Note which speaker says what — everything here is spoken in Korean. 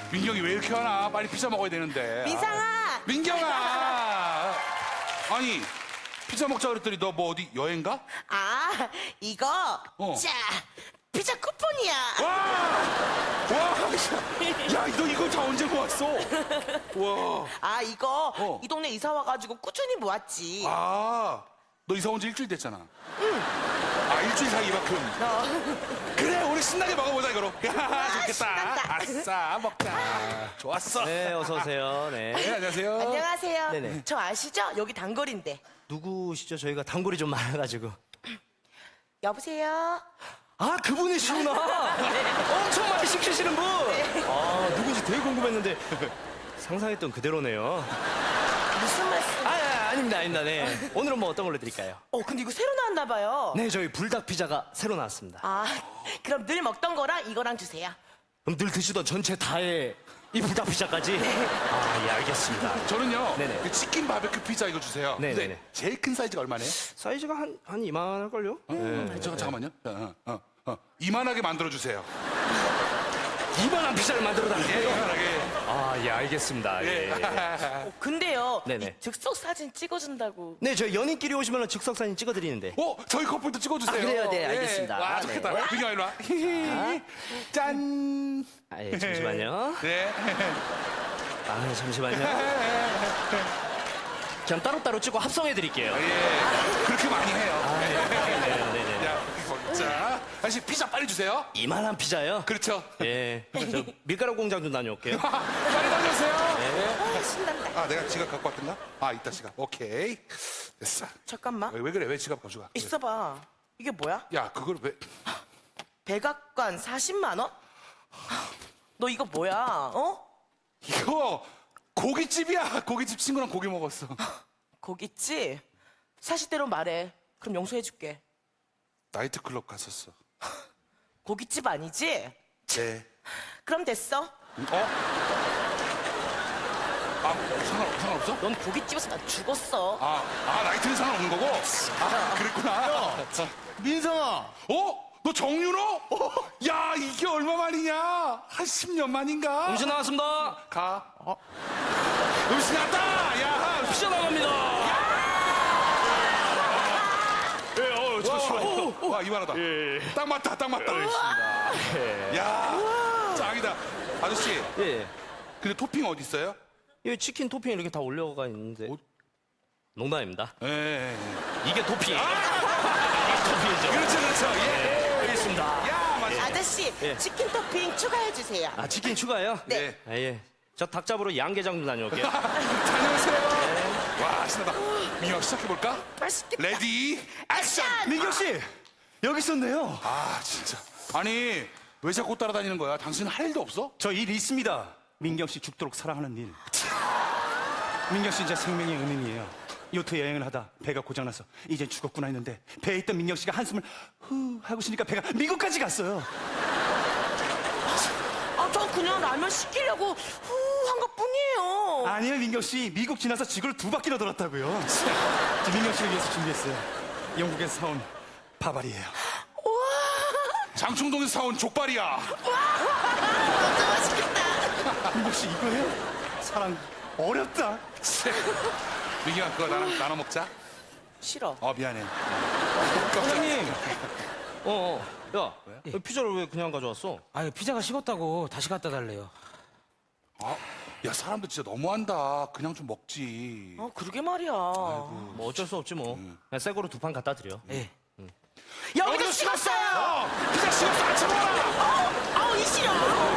Speaker 1: 민경이 왜 이렇게 하나? 빨리 피자 먹어야 되는데.
Speaker 2: 민상아!
Speaker 1: 민경아! 아니, 피자 먹자 그랬더니 너 뭐 어디 여행 가?
Speaker 2: 아, 이거. 자, 피자 쿠폰이야.
Speaker 1: 와! 와! 야, 너 이거 다 언제 모았어? 와.
Speaker 2: 아, 이거 이 동네 이사 와가지고 꾸준히 모았지.
Speaker 1: 아, 너 이사 온 지 일주일 됐잖아. 응. 아, 일주일 사이 이만큼. 그래, 우리 신나게 먹어보자, 이거로. 야, 좋겠다.
Speaker 2: 신난다.
Speaker 1: 아싸, 먹자. 좋았어.
Speaker 3: 네, 어서 오세요.
Speaker 1: 네,
Speaker 3: 네.
Speaker 1: 안녕하세요.
Speaker 2: 안녕하세요.
Speaker 3: 네네.
Speaker 2: 저 아시죠? 여기 단골인데.
Speaker 3: 누구시죠? 저희가 단골이 좀 많아가지고.
Speaker 2: 여보세요?
Speaker 3: 아, 그분이시구나. 엄청 많이 시키시는 분. 아, 누군지 되게 궁금했는데 상상했던 그대로네요.
Speaker 2: 무슨 말씀?
Speaker 3: 아닙니다. 네. 오늘은 뭐 어떤 걸로 드릴까요?
Speaker 2: 근데 이거 새로 나왔나 봐요.
Speaker 3: 네, 저희 불닭 피자가 새로 나왔습니다.
Speaker 2: 아, 그럼 늘 먹던 거랑 이거랑 주세요.
Speaker 3: 그럼 늘 드시던 전체 다의 이 불닭 피자까지? 아, 예, 알겠습니다.
Speaker 1: 저는요,
Speaker 3: 네네.
Speaker 1: 그 치킨 바베큐 피자 이거 주세요.
Speaker 3: 네네네.
Speaker 1: 근데 제일 큰 사이즈가 얼마네요?
Speaker 3: 사이즈가 한 이만할걸요?
Speaker 1: 잠깐만요. 이만하게 만들어주세요.
Speaker 3: 이만한 피자를 만들어달래요?
Speaker 1: 예, 이만하게.
Speaker 3: 아, 예, 알겠습니다. 예.
Speaker 2: 근데요,
Speaker 3: 네네.
Speaker 2: 이 즉석 사진 찍어준다고.
Speaker 3: 네, 저희 연인끼리 오시면 즉석 사진 찍어드리는데.
Speaker 1: 저희 커플도 찍어주세요.
Speaker 3: 아, 그래요? 네, 알겠습니다.
Speaker 1: 와,
Speaker 3: 네.
Speaker 1: 좋겠다. 민경아, 일로 와. 짠.
Speaker 3: 아, 예, 잠시만요.
Speaker 1: 네.
Speaker 3: 아, 잠시만요. 그냥 따로따로 찍고 합성해드릴게요.
Speaker 1: 예. 그렇게 많이 해요.
Speaker 3: 네네네.
Speaker 1: 야, 자, 다시 피자 빨리 주세요.
Speaker 3: 이만한 피자요?
Speaker 1: 그렇죠.
Speaker 3: 예. 저 밀가루 공장 좀 다녀올게요.
Speaker 1: 빨리 다녀오세요.
Speaker 2: 신난다.
Speaker 1: 아, 내가 지갑 갖고 왔던가? 아, 있다, 지갑. 오케이. 됐어.
Speaker 2: 잠깐만.
Speaker 1: 왜 그래? 왜 지갑 가져가?
Speaker 2: 있어봐. 이게 뭐야?
Speaker 1: 야, 그걸 왜.
Speaker 2: 백악관 40만 원? 너 이거 뭐야?
Speaker 1: 이거 고깃집이야. 고깃집 친구랑 고기 먹었어.
Speaker 2: 고깃집? 사실대로 말해. 그럼 용서해줄게.
Speaker 1: 나이트클럽 갔었어.
Speaker 2: 고깃집 아니지?
Speaker 1: 네.
Speaker 2: 그럼 됐어.
Speaker 1: 아, 상관없어?
Speaker 2: 넌 고깃집에서 나 죽었어.
Speaker 1: 나이트는 상관없는 거고? 아, 그랬구나.
Speaker 3: 민성아!
Speaker 1: 너 정윤호? 야, 이게 얼마 만이냐? 한 10년 만인가?
Speaker 3: 음식 나왔습니다.
Speaker 1: 가. 음식 나왔다! 야,
Speaker 3: 피자 나갑니다.
Speaker 1: 잠시만요. 와, 이만하다. 딱 맞다, 딱 맞다. 야, 짱이다. 아저씨,
Speaker 3: 예.
Speaker 1: 근데 토핑 어디 있어요?
Speaker 3: 여기 치킨 토핑 이렇게 다 올려가 있는데. 농담입니다.
Speaker 1: 예.
Speaker 3: 이게 토핑. 이게 토핑이죠.
Speaker 1: 그렇죠. 예.
Speaker 3: 알겠습니다.
Speaker 1: 야, 맞아.
Speaker 2: 아저씨,
Speaker 3: 예.
Speaker 2: 치킨 토핑 추가해주세요.
Speaker 3: 아, 치킨 추가요?
Speaker 1: 네.
Speaker 3: 아, 예. 저 닭 잡으러 양계장 좀 다녀올게요.
Speaker 1: 다녀오세요. 와, 신나다. 민혁 시작해볼까?
Speaker 2: 맛있겠다.
Speaker 1: 레디, 액션!
Speaker 3: 민경 씨, 여기 있었네요.
Speaker 1: 아, 진짜. 아니, 왜 자꾸 따라다니는 거야? 당신은 할 일도 없어?
Speaker 4: 저 일 있습니다. 민경 씨 죽도록 사랑하는 일. 민경 씨 제 생명의 은인이에요. 요트 여행을 하다 배가 고장나서 이제 죽었구나 했는데 배에 있던 민경 씨가 한숨을 후 하고 쉬니까 배가 미국까지 갔어요.
Speaker 2: 저 그냥 라면 시키려고 한 것 뿐이에요.
Speaker 4: 아니에요, 민경 씨. 미국 지나서 지구를 2바퀴나 돌았다고요. 저 민경 씨를 위해서 준비했어요. 영국에서 사온 바바리예요.
Speaker 1: 장충동에서 사온 족발이야.
Speaker 2: 진짜 맛있겠다.
Speaker 4: 민경 씨 이거예요? 사랑 어렵다.
Speaker 1: 민경아, 그거 나랑 나눠 먹자.
Speaker 2: 싫어.
Speaker 1: 미안해.
Speaker 3: 사장님. 야, 피자를 왜 그냥 가져왔어?
Speaker 5: 아유, 피자가 식었다고 다시 갖다 달래요.
Speaker 1: 야, 사람들 진짜 너무한다. 그냥 좀 먹지.
Speaker 2: 그러게 말이야.
Speaker 3: 뭐 어쩔 수 없지 뭐. 그냥 새 거로 2판 갖다 드려.
Speaker 5: 예.
Speaker 2: 여기도 식었어요.
Speaker 1: 피자 식었어. 안 쳐먹어라.
Speaker 2: 이 싫어.